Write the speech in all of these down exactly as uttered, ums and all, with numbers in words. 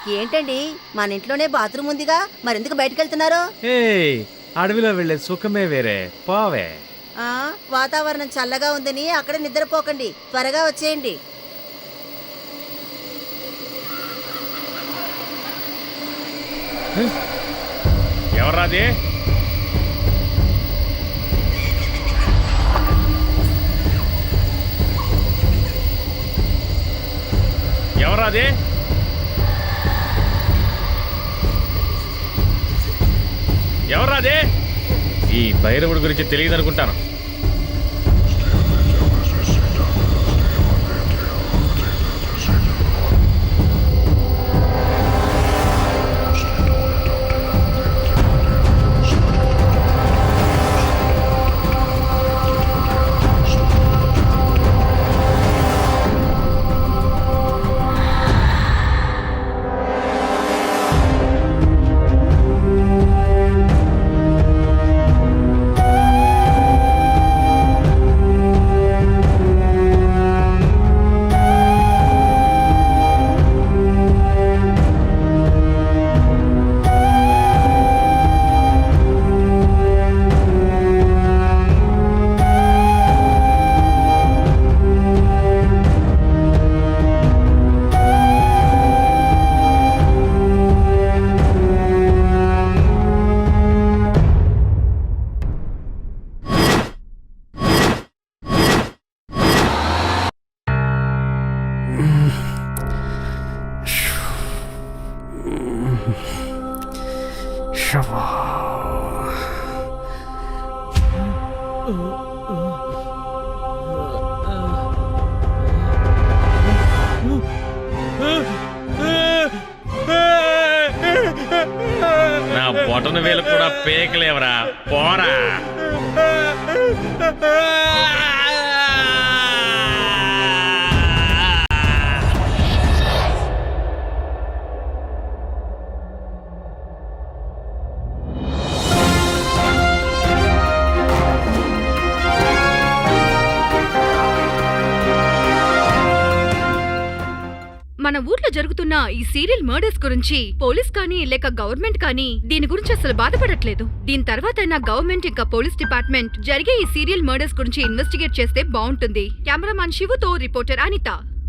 ఏంటండి మన ఇంట్లోనే బాత్రూమ్ ఉందిగా మరెందుకు బయటకు వెళ్తున్నారు? అడవిలో వెళ్లే సుఖమే వేరే, పోవే. ఆ వాతావరణం చల్లగా ఉందని అక్కడ నిద్రపోకండి, త్వరగా వచ్చేయండి. ఎవర్రాది? ఎవరాది? ఎవరాది? ఈ భైరవుడి గురించి తెలియదు అనుకుంటాను. నా బొటన వేలు కూడా పేకలేవరా, పోరా. మన ఊర్లో జరుగుతున్న ఈ సీరియల్ మర్డర్స్ గురించి పోలీస్ కానీ లేక గవర్నమెంట్ కానీ దీని గురించి అసలు బాధపడట్లేదు. దీని తర్వాత గవర్నమెంట్ ఇంకా పోలీస్ డిపార్ట్మెంట్ జరిగే ఈ సీరియల్ మర్డర్స్ గురించి ఇన్వెస్టిగేట్ చేస్తే బాగుంటుంది. కెమెరామాన్ శివుతో రిపోర్టర్ అనిత.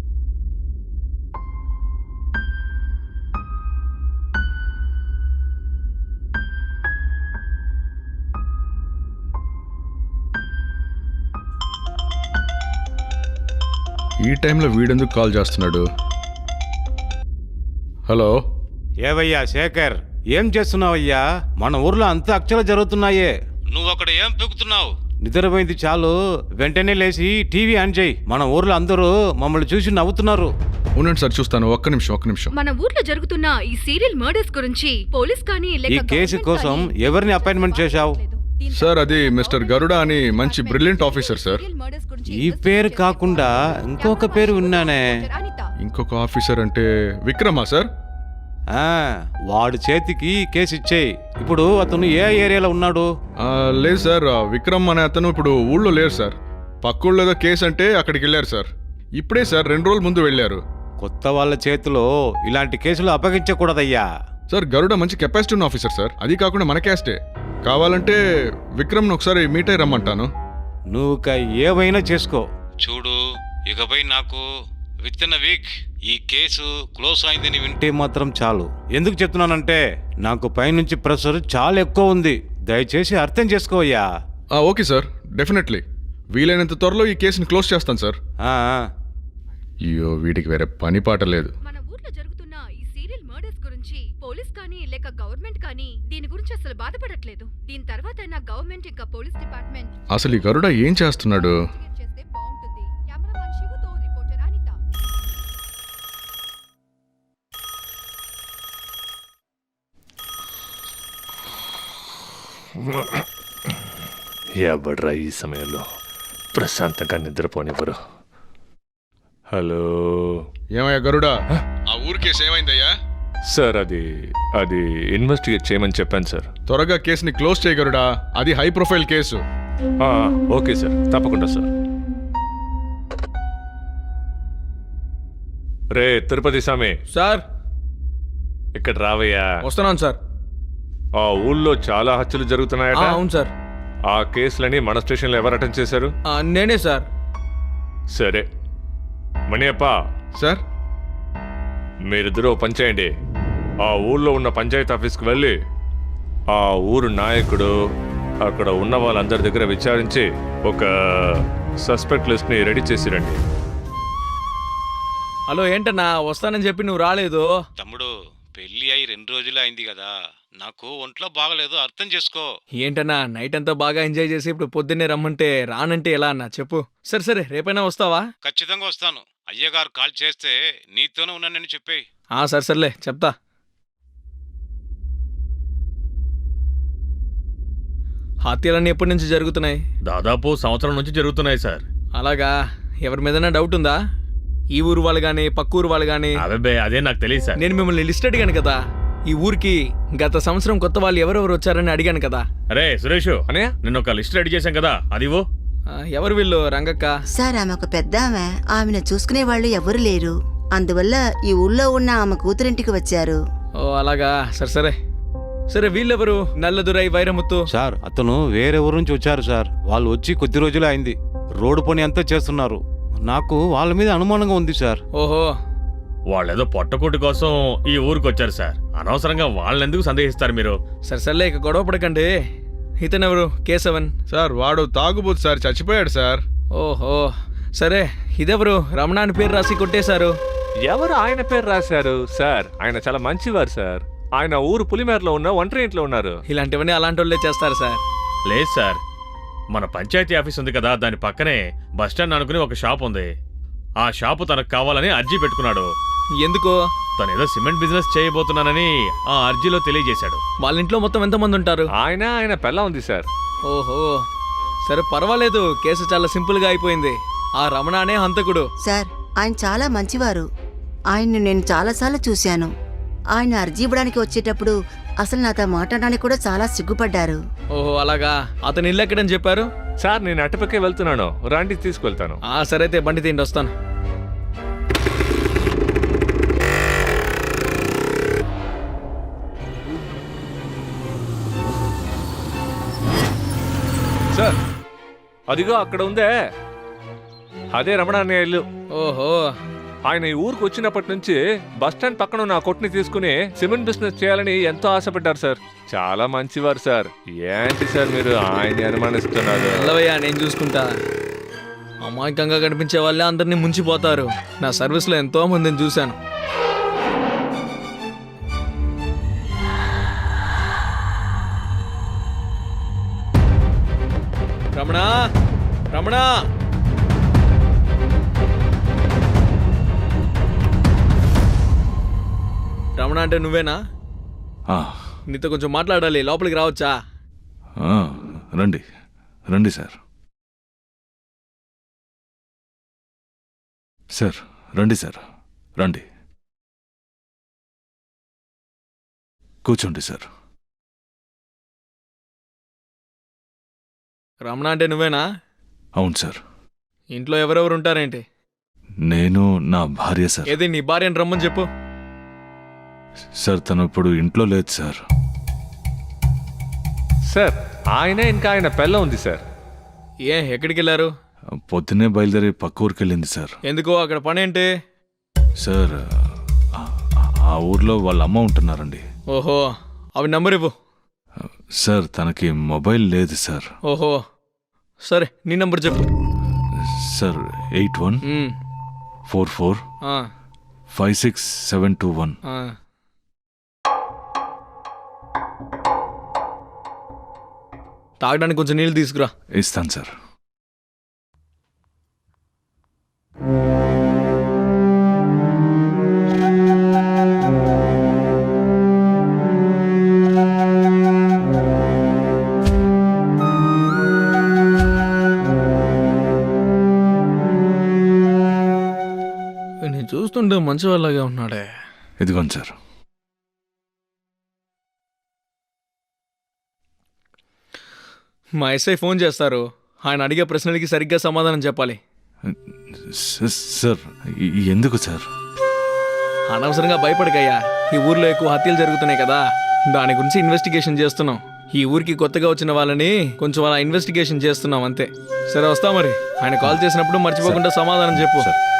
ఈ టైంలో వీడెందుకు కాల్ చేస్తున్నాడు? హలో, ఏవయ్యా శేఖర్, ఏం చేస్తున్నావయ్యా? మన ఊర్లో అంత అక్షరాలు జరుగుతున్నాయే, నువ్వు అక్కడ ఏం పెక్కుతున్నావు? నిద్రపోయింది చాలు, వెంటనే లేచి టీవీ ఆన్ చేయి. మన ఊర్లో అందరూ మమ్మల్ని చూసి నవ్వుతున్నారు. ఉండండి సార్, చూస్తాను. ఒక్క నిమిషం ఒక్క నిమిషం మన ఊర్లో జరుగుతున్న ఈ సీరియల్ మర్డర్స్ గురించి పోలీస్ కానీ ఈ లేక కేసు కోసం ఎవరిని అపాయింట్మెంట్ చేశావు? సార్, అది మిస్టర్ గరుడ అని మంచి బ్రిలియంట్ ఆఫీసర్ సార్. ఈ పేరు కాకుండా ఇంకొక పేరు విన్నానే. ఇంకొక ఆఫీసర్ అంటే విక్రమా సార్? ఆ, వాడి చేతికి కేసు ఇచ్చేయి. ఇప్పుడు అతను ఏ ఏరియాలో ఉన్నాడు? ఆ, లేదు సార్, ఆ విక్రమ్ అనే అతను ఇప్పుడు ఊళ్ళో లేరు సార్. పక్కూళ్ళో ఏదో కేసు అంటే అక్కడికి వెళ్ళారు సార్. ఇప్పుడే సార్, రెండు రోజుల ముందు వెళ్ళారు. కొత్త వాళ్ళ చేతిలో ఇలాంటి కేసులు అప్పగించకూడదయ్యా. సార్, గరుడ మంచి కెపాసిటీ ఉన్న ఆఫీసర్ సార్. అది కాకుండా మన క్యాస్టే. కావాలంటే విక్రమ్ను ఒకసారి మీట్ అయ్యి రమ్మంటాను. నువ్వు ఏవైనా చేసుకో. చూడు, ఇకపై నాకు విత్ ఇన్ వీక్ ఈ కేసు క్లోజ్ అయిందని వింటే మాత్రం చాలు. ఎందుకు చెప్తున్నానంటే నాకు పైనుంచి ప్రెషర్ చాలా ఎక్కువ ఉంది. దయచేసి అర్థం చేసుకోవయ్యా. Okay sir, definitely. వీలైనంత త్వరలో ఈ కేసుని క్లోజ్ చేస్తాను సార్. అయ్యో, వీడికి వేరే పని పాట లేదు. మన ఊర్లో జరుగుతున్న ఈ సీరియల్ మర్డర్స్ గురించి పోలీస్ కానీ లేక గవర్నమెంట్ కానీ దీని గురించి అసలు బాధపడట్లేదు. దీని తర్వాత గవర్నమెంట్ ఇంకా పోలీస్ డిపార్ట్మెంట్ అసలు ఈ గరుడ ఏం చేస్తున్నాడు? చేస్తే బాగుంటుంది. కెమెరామాన్ శివుతో రిపోర్టర్ అనిత. ఎవడ్రా ఈ సమయంలో ప్రశాంతంగా నిద్రపోనివ్వరు? హలో, ఏమయ్యా గరుడా, ఆ ఊరి కేసు ఏమైందయ్యా? సార్, అది అది ఇన్వెస్టిగేట్ చేయమని చెప్పాను సార్. త్వరగా కేసుని క్లోజ్ చేయగరుడా, అది high profile case. Okay sir, తప్పకుండా సార్. రే తిరుపతి స్వామి సార్, ఇక్కడ రావయ్యా. వస్తున్నాను సార్. ఆ ఊళ్ళో చాలా హత్యలు జరుగుతున్నాయట. అవును సార్. ఆ కేసులని మన స్టేషన్లో ఎవరు అటెండ్ చేశారు? నేనే సార్. సరే మణియప్ప సార్ మీరిద్దరూ పని చేయండి. ఆ ఊళ్ళో ఉన్న పంచాయతీ ఆఫీస్కి వెళ్ళి ఆ ఊరు నాయకుడు అక్కడ ఉన్న వాళ్ళందరి దగ్గర విచారించి ఒక సస్పెక్ట్ లిస్ట్ని రెడీ చేసి రండి. హలో, ఏంటన్నా వస్తానని చెప్పి నువ్వు రాలేదు? తమ్ముడు పెళ్లి అయి రెండు రోజులే అయింది కదా, నాకు ఒంట్లో బాగలేదు, అర్థం చేసుకో. ఏంటన్నా నైట్ అంతా బాగా ఎంజాయ్ చేసి ఇప్పుడు పొద్దున్నే రమ్మంటే రానంటే ఎలా అన్నా చెప్పు. సరే సరే రేపైనా వస్తావా? ఖచ్చితంగా వస్తాను. అయ్యగారు కాల్ చేస్తే నీతోనే ఉన్నానని చెప్పేయి. ఆ సరే సర్లే చెప్తా. హత్యలన్నీ ఎప్పటి నుంచి జరుగుతున్నాయి? దాదాపు సంవత్సరం నుంచి జరుగుతున్నాయి సార్. అలాగా? ఎవరి మీదైనా డౌట్ ఉందా? ఈ ఊరు వాళ్ళు గానీ పక్క ఊరు వాళ్ళు గానీ? అదే అదే నాకు తెలియదు సార్. నేను మిమ్మల్ని లిస్ట్ అడిగాను కదా, ఈ ఊరికి గత సంవత్సరం కొత్త వాళ్ళు ఎవరెవరు వచ్చారని అడిగాను కదా. అరే సురేష్, అనే నిన్న ఒక లిస్ట్ రెడీ చేశాం కదా, అది ఇవ్వు. ఆ, ఎవరు వీళ్ళు? రంగక్క. సార్ ఆమె ఒక పెద్ద ఆమె, ఆమెను చూసుకునే వాళ్ళు ఎవరు లేరు. అందువల్ల ఈ ఊళ్ళో ఉన్న ఆమె కూతురింటికి వచ్చారు. ఓ అలాగా, సరే సరే సరే. వీళ్ళెవరు? నల్లదురై, వైరముత్తు. సార్ అతను వేరే ఊరు నుంచి వచ్చారు సార్. వాళ్ళు వచ్చి కొద్ది రోజులే అయింది. రోడ్డు పని అంతా చేస్తున్నారు. నాకు వాళ్ళ మీద అనుమానంగా ఉంది సార్. ఓహో, వాళ్ళేదో పొట్టకూటి కోసం ఈ ఊరికి వచ్చారు సార్. అనవసరంగా వాళ్ళెందుకు సందేహిస్తారు మీరు? సరే సర్లే ఇక గొడవ పడకండి. ఇతనెవరు? కేశవన్. సార్ వాడు తాగుబోతు సార్, చచ్చిపోయాడు సార్. ఓహో సరే. ఇదెవరు? రమణ అని పేరు రాసి కొట్టేశారు. ఎవరు ఆయన పేరు రాశారు సార్? ఆయన చాలా మంచివారు సార్. ఆయన ఊరు పులిమేరలో ఉన్న ఒంటరి ఇంట్లో ఉన్నారు. ఇలాంటివన్నీ అలాంటి వాళ్ళే చేస్తారు సార్. లేదు సార్, మన పంచాయతీ ఆఫీస్ ఉంది కదా, దాని పక్కనే బస్టాండ్ అనుకుని ఒక షాప్ ఉంది. ఆ షాపు తనకు కావాలని అర్జీ పెట్టుకున్నాడు. ఎందుకు? తను ఏదో సిమెంట్ బిజినెస్ చేయబోతున్నానని ఆ అర్జీలో తెలియజేశాడు. వాళ్ళ ఇంట్లో మొత్తం ఎంతమంది ఉంటారు? ఆయన ఆయన పెళ్ళ ఉంది సార్. ఓహో సరే పర్వాలేదు, కేసు చాలా సింపుల్ గా అయిపోయింది. ఆ రమణ అనే హంతకుడు. సార్ ఆయన చాలా మంచివారు. ఆయన్ను నేను చాలాసార్లు చూశాను. ఆయన అర్జీ ఇవ్వడానికి వచ్చేటప్పుడు అసలు నాతో మాట్లాడడానికి కూడా చాలా సిగ్గుపడ్డారు. ఓహో అలాగా. అతను ఇల్లు ఎక్కడని చెప్పారు? సార్ నేను అటుపక్కే వెళ్తున్నాను, రండి తీసుకెళ్తాను. ఆ సరే అయితే బండి తిండి వస్తాను. సార్ అదిగో అక్కడ ఉందే, అదే రమణ అనే ఇల్లు. ఓహో ఆయన ఈ ఊరికి వచ్చినప్పటి నుంచి బస్టాండ్ పక్కన ఉన్న ఆ కొట్టుని తీసుకుని సిమెంట్ బిజినెస్ చేయాలని ఎంతో ఆశపడ్డారు సార్. చాలా మంచివారు సార్. ఏంటి సార్ మీరు ఆయన్ని అనుమానిస్తున్నారు? వెళ్ళవయ్యా, నేను చూసుకుంటా. అమాయకంగా కనిపించే వాళ్ళే అందరినీ ముంచిపోతారు. నా సర్వీస్లో ఎంతో మందిని చూశాను. రమణ, రమణ, రమణ అంటే నువ్వేనా? నీతో కొంచెం మాట్లాడాలి, లోపలికి రావచ్చా? రండి రండి సార్. సార్ రండి సార్, రండి కూర్చోండి సార్. రమణ అంటే నువ్వేనా? అవును సార్. ఇంట్లో ఎవరెవరు ఉంటారేంటి? నేను, నా భార్య సార్. ఏది నీ భార్యని రమ్మని చెప్పు. సార్ తను ఇప్పుడు ఇంట్లో లేదు సార్. సార్ ఆయన ఇంకా ఆయన పెళ్ళ ఉంది సార్. ఏ ఎక్కడికి వెళ్ళారు? పొద్దున్నే బయలుదేరి పక్క ఊరికి వెళ్ళింది సార్. ఎందుకు? అక్కడ పని ఏంటి? సార్ ఆ- ఆ ఊర్లో వాళ్ళ అమ్మ ఉంటున్నారండి. ఓహో అవి నంబర్ ఇవ్వు. సార్ తనకి మొబైల్ లేదు సార్. ఓహో సరే నీ నంబర్ చెప్పు. Sir eight one um, four four ah, five six seven two one. ఆ. తాగడానికి కొంచెం నీళ్ళు తీసుకురా. ఇస్తాను సార్. నేను చూస్తుంటే మంచి వాళ్ళగా ఉన్నాడే. ఇదిగోండి సార్. మా ఎస్ఐ ఫోన్ చేస్తారు. ఆయన అడిగే ప్రశ్నలకి సరిగ్గా సమాధానం చెప్పాలి. స- సార్ ఎ- ఎందుకు సార్? అనవసరంగా భయపడకయ్యా. ఈ ఊర్లో ఎక్కువ హత్యలు జరుగుతున్నాయి కదా, దాని గురించి ఇన్వెస్టిగేషన్ చేస్తున్నాం. ఈ ఊరికి కొత్తగా వచ్చిన వాళ్ళని కొంచెం అలా ఇన్వెస్టిగేషన్ చేస్తున్నాం అంతే. సరే వస్తా మరి. ఆయన కాల్ చేసినప్పుడు మర్చిపోకుండా సమాధానం చెప్పు.